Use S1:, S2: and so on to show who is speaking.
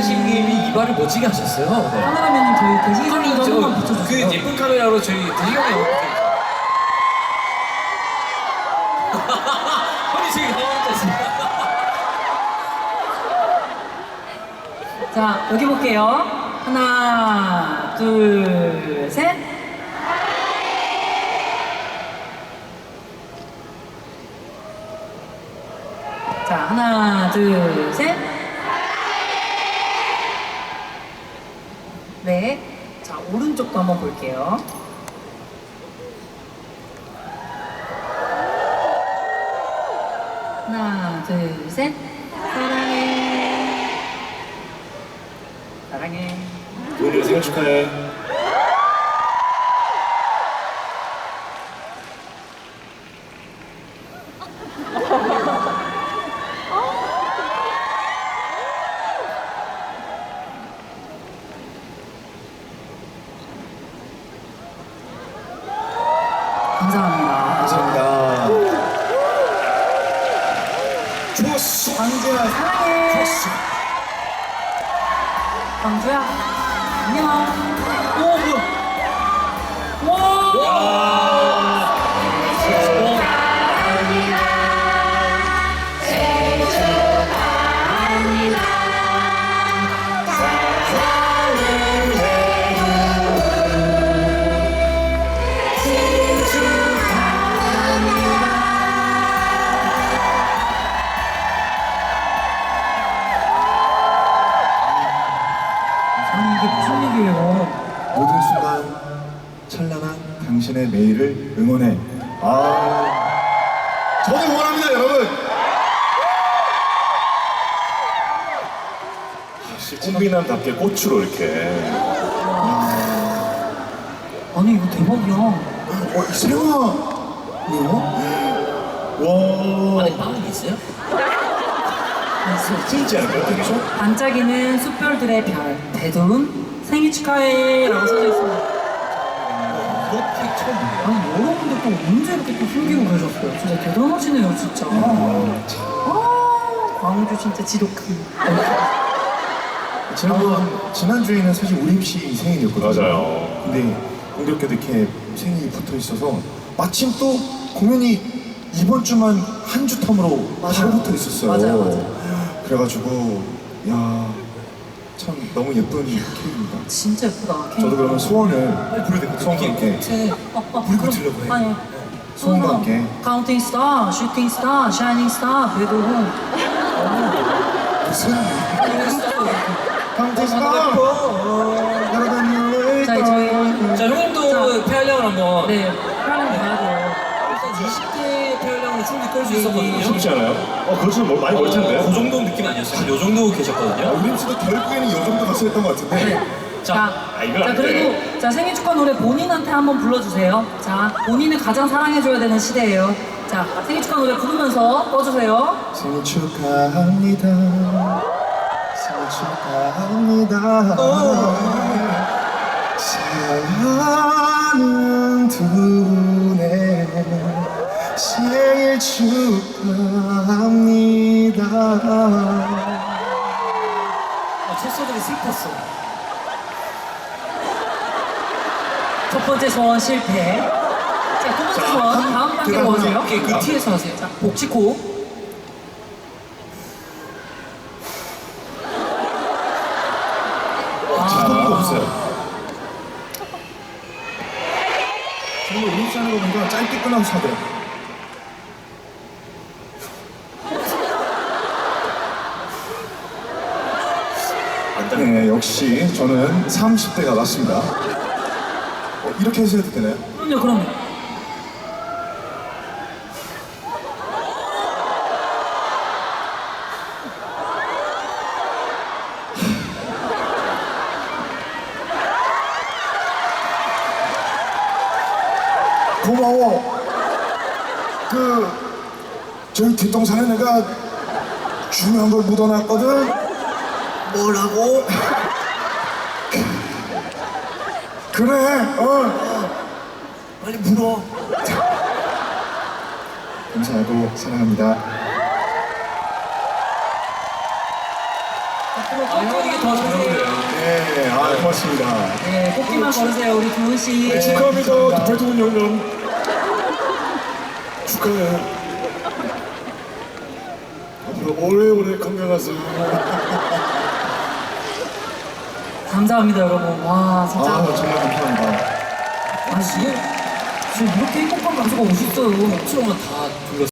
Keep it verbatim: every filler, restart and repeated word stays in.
S1: 대식님이 이발을 멋지게 하셨어요. 네.
S2: 카메라맨님 저희 대식이님도 한 번만 붙여주세요.
S1: 그 예쁜 카메라로 저희 대식형이 어떻게? 형이 지금 가만히
S2: 자, 여기 볼게요. 하나, 둘, 셋. 자, 하나, 둘, 셋. 네. 자, 오른쪽도 한번 볼게요. 하나, 둘, 셋. 사랑해. 사랑해.
S3: 도현이 생일 축하해.
S2: 감사합니다.
S3: 감사합니다. 좋았어.
S2: 광주야, 사랑해.
S3: 좋았어.
S2: 광주야, 안녕. 오, 뭐야. 와. 아니, 이게 무슨 일이에요?
S3: 모든 순간 찬란한 당신의 매일을 응원해. 아, 저도 응원합니다, 여러분. 꽃미남답게 꽃으로 이렇게.
S2: 아니, 이거 대박이야.
S3: 어, 세영아. 와.
S1: 안에 빵이 있어요?
S3: 진지 않을까요, 되게?
S2: 반짝이는 숯별들의 별, 대두음, 생일 축하해 라고 써져 있습니다.
S1: 그렇게 처음 보네요.
S2: 아니, 여러분들 또 언제 이렇게 또 숨기고 계셨어요? 진짜 대단하시네요, 진짜. 아, 광주 진짜 지독한.
S3: 지난번, 지난주에는 사실 우림 씨 생일이었거든요.
S4: 맞아요.
S3: 근데 공교롭게도 이렇게 생일이 붙어 있어서 마침 또 공연이 이번 주만 한 주 텀으로 바로 붙어 있었어요.
S2: 맞아요, 맞아요.
S3: 그래가지고, 야, 참 너무 예쁜 케이크입니다.
S2: 진짜 예쁘다.
S3: 저도 그러면 소원을 소원과 함께
S1: 끝에 불이 붙으려고 해요.
S2: 아니,
S3: 소원과 함께
S2: 카운팅 스타, 슈팅 스타, 샤이닝 스타, 배도훈.
S3: 무슨 강태스가 여러분
S2: 자, 저희
S1: 자, 형님도 폐활량을 한번.
S2: 네, 하나 봐야 돼요.
S1: 일단 이십 대 폐활량으로 충분히 끌 수 있었거든요.
S4: 쉽지 않아요? 어, 그렇지는 뭐 많이 멀 텐데.
S1: 그 정도 느낌 아니었어요? 요 정도
S3: 아,
S1: 계셨거든요.
S3: 우림 씨도 결국에는 이 정도 갔어 했던 것 같은데.
S2: 네.
S1: 자,
S2: 자,
S4: 아, 이건
S2: 자
S4: 안
S2: 그래도 자 생일 축하 노래 본인한테 한번 불러주세요. 자, 본인을 가장 사랑해줘야 되는 시대예요. 자, 생일 축하 노래 부르면서 꺼주세요.
S3: 생일 축하합니다. 생일 축하합니다. 사랑하는 두 분의 생일 축하합니다.
S1: 아, 첫 소절이 슬펐어.
S2: 첫 번째 소원 실패. 자, 두 번째 소원 다음 단계로
S3: 대답을
S2: 오세요.
S1: 오케이, 그 뒤에서 하세요.
S2: 자, 복치코.
S3: 자동도 없어요. 정말 우림 씨 하는 거 보니까 짧게 끝나고 사더라고요. 네, 역시 저는 삼십 대가 맞습니다. 어, 이렇게 해서 해도 되나요?
S2: 그럼요, 그럼요.
S3: 고마워. 그 저희 뒷동산에 내가 중요한 걸 묻어놨거든. 뭐라고? 그래. 어.
S1: 빨리 물어.
S3: 감사하고 사랑합니다.
S1: 아, 형 이게 더 잘 어울려요.
S3: 네, 아 고맙습니다.
S2: 네, 꽃길만 걸으세요, 우리 두훈 씨.
S3: 네,
S4: 축하합니다, 대통령. 축하해. 앞으로 오래오래 건강하세요.
S2: 감사합니다, 여러분. 와, 진짜.
S3: 아 정말 감사합니다.
S2: 아, 지금, 지금 이렇게 행복한 가수가 오셨어요.
S1: 옥수로만 다 불렀어요.